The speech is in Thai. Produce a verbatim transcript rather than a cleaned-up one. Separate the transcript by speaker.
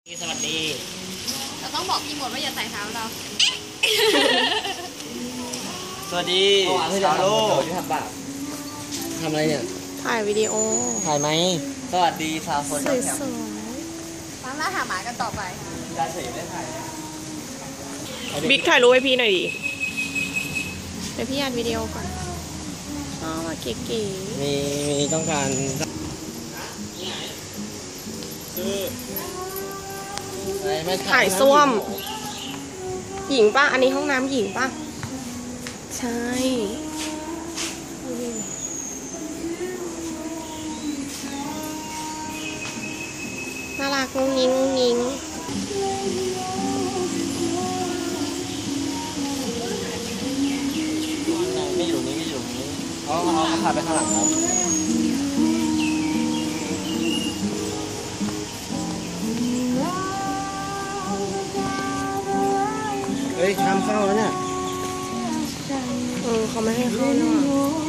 Speaker 1: สวัสดี
Speaker 2: เราต้องบอกพี่หมดว่าอย่าใส่เท้าเรา
Speaker 1: สวัสดีชาวโลกที่ทำบาปทำอะไรเนี่ย
Speaker 3: ถ่ายวิดีโอ
Speaker 1: ถ่ายไหมสวัสดีชาวโซเชียลแคมป์
Speaker 2: ตามล่าหาหมากันต่อไป
Speaker 1: การเสพได้ถ่าย
Speaker 3: บิ๊กถ่ายรูปให้พี่หน่อยดิเดี๋ยวพี่อัดวิดีโอก่อนอ๋อมาเก๋ๆ
Speaker 1: มีมีต้องการคือ
Speaker 3: ถ่ายส้วมหญิงป่ะอันนี้ห้องน้ำหญิงป่ะใช่น่ารักงุ้งงิ้งงุ้งงิ้ง
Speaker 1: ไม่อยู่นี่ไม่อยู่นี่เขาเขาพาไปข้างหลังครับเฮ้ยห้ามเข้าแล้วเนี่ย
Speaker 3: เออเขาไม่ให้เข้าเนาะ